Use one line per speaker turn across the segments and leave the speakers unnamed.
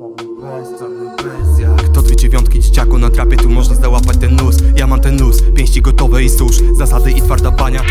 To dwie dziewiątki dzieciaku na trapie, tu można załapać ten nóż. Ja mam ten nóż, pięści gotowe i susz. Zasady i twarda bania.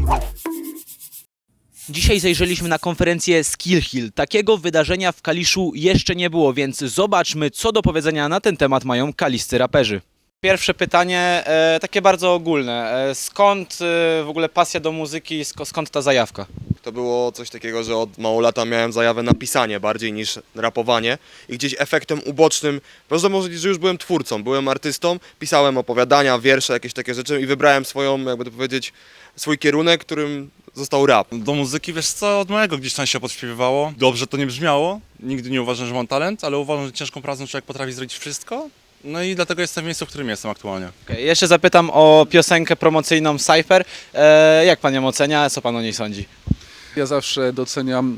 Dzisiaj zajrzeliśmy na konferencję Skill Hill. Takiego wydarzenia w Kaliszu jeszcze nie było, więc zobaczmy, co do powiedzenia na ten temat mają kaliscy raperzy. Pierwsze pytanie, takie bardzo ogólne. Skąd w ogóle pasja do muzyki, skąd ta zajawka?
To było coś takiego, że od mało lata miałem zajawę na pisanie bardziej niż rapowanie i gdzieś efektem ubocznym, można powiedzieć, że już byłem twórcą, byłem artystą, pisałem opowiadania, wiersze, jakieś takie rzeczy i wybrałem swoją, jakby to powiedzieć, swój kierunek, którym został rap.
Do muzyki, wiesz co, od małego gdzieś tam się podśpiewywało. Dobrze to nie brzmiało, nigdy nie uważam, że mam talent, ale uważam, że ciężką pracą człowiek potrafi zrobić wszystko. No i dlatego jestem w miejscu, w którym jestem aktualnie.
Okay, jeszcze zapytam o piosenkę promocyjną Cypher. Jak pan ją ocenia, co pan o niej sądzi?
Ja zawsze doceniam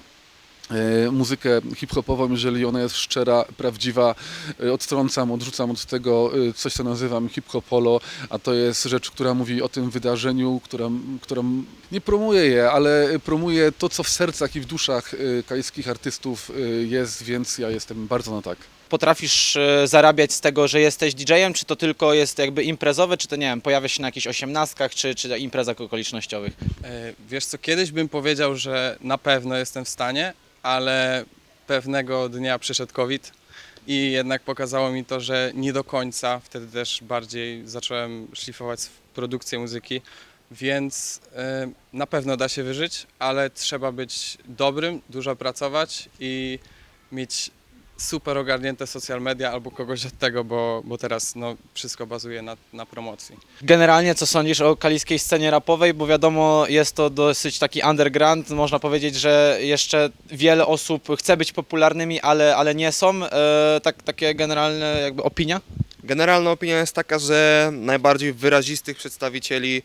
muzykę hip-hopową, jeżeli ona jest szczera, prawdziwa. Odrzucam od tego coś, co nazywam hip-hopolo, a to jest rzecz, która mówi o tym wydarzeniu, która nie promuje je, ale promuje to, co w sercach i w duszach kaliskich artystów jest, więc ja jestem bardzo na tak.
Potrafisz zarabiać z tego, że jesteś DJ-em, czy to tylko jest jakby imprezowe, czy to nie wiem, pojawia się na jakichś osiemnastkach, czy imprezach okolicznościowych?
Wiesz co, kiedyś bym powiedział, że na pewno jestem w stanie, ale pewnego dnia przyszedł COVID i jednak pokazało mi to, że nie do końca. Wtedy też bardziej zacząłem szlifować produkcję muzyki, więc na pewno da się wyżyć, ale trzeba być dobrym, dużo pracować i mieć super ogarnięte social media albo kogoś od tego, bo teraz no, wszystko bazuje na promocji.
Generalnie co sądzisz o kaliskiej scenie rapowej, bo wiadomo jest to dosyć taki underground, można powiedzieć, że jeszcze wiele osób chce być popularnymi, ale nie są, takie generalne jakby opinia?
Generalna opinia jest taka, że najbardziej wyrazistych przedstawicieli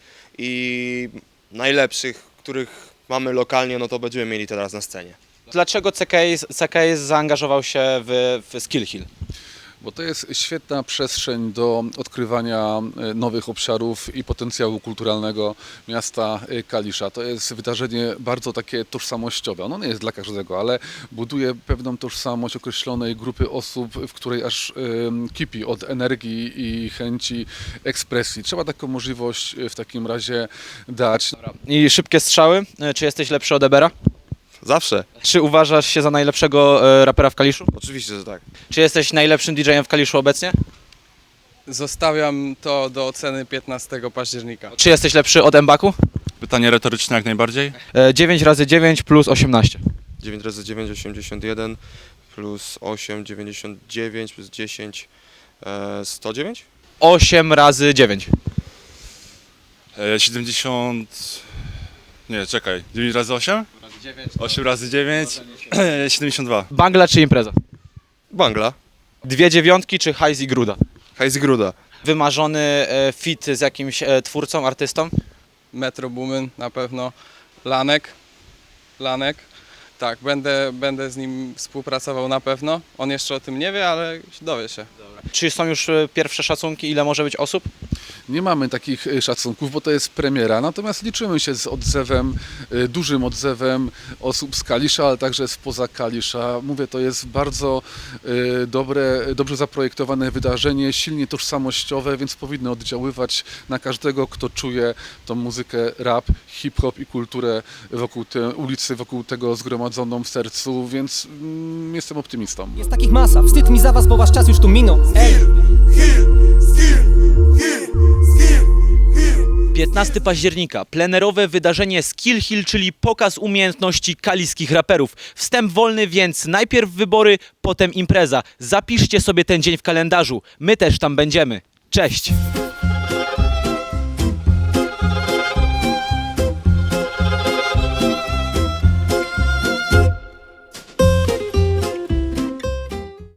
i najlepszych, których mamy lokalnie, no to będziemy mieli teraz na scenie.
Dlaczego CKS zaangażował się w Skill Hill?
Bo to jest świetna przestrzeń do odkrywania nowych obszarów i potencjału kulturalnego miasta Kalisza. To jest wydarzenie bardzo takie tożsamościowe. Ono nie jest dla każdego, ale buduje pewną tożsamość określonej grupy osób, w której aż kipi od energii i chęci ekspresji. Trzeba taką możliwość w takim razie dać.
I szybkie strzały, czy jesteś lepszy od Ebera?
Zawsze.
Czy uważasz się za najlepszego rapera w Kaliszu?
Oczywiście, że tak.
Czy jesteś najlepszym DJ-em w Kaliszu obecnie?
Zostawiam to do oceny 15 października.
Czy jesteś lepszy od Mbaku?
Pytanie retoryczne jak najbardziej.
9 razy 9 plus 18.
9 razy 9, 81, plus 8, 99, plus 10, 109?
8 razy 9.
70... Nie, czekaj. 9 razy 8? 8 razy 9? 72.
Bangla czy impreza?
Bangla.
Dwie dziewiątki czy hajs i gruda?
Hajs Gruda.
Wymarzony fit z jakimś twórcą, artystą?
Metro Boomin na pewno, Lanek, tak, będę z nim współpracował na pewno. On jeszcze o tym nie wie, ale dowie się.
Czy są już pierwsze szacunki, ile może być osób?
Nie mamy takich szacunków, bo to jest premiera, natomiast liczymy się z odzewem, dużym odzewem osób z Kalisza, ale także spoza Kalisza. Mówię, to jest bardzo dobrze zaprojektowane wydarzenie, silnie tożsamościowe, więc powinno oddziaływać na każdego, kto czuje tą muzykę rap, hip-hop i kulturę wokół tej ulicy, wokół tego zgromadzoną w sercu, więc jestem optymistą.
Jest takich masa, wstyd mi za was, bo wasz czas już tu minął.
15 października, plenerowe wydarzenie Skill Hill, czyli pokaz umiejętności kaliskich raperów. Wstęp wolny, więc najpierw wybory, potem impreza. Zapiszcie sobie ten dzień w kalendarzu. My też tam będziemy. Cześć!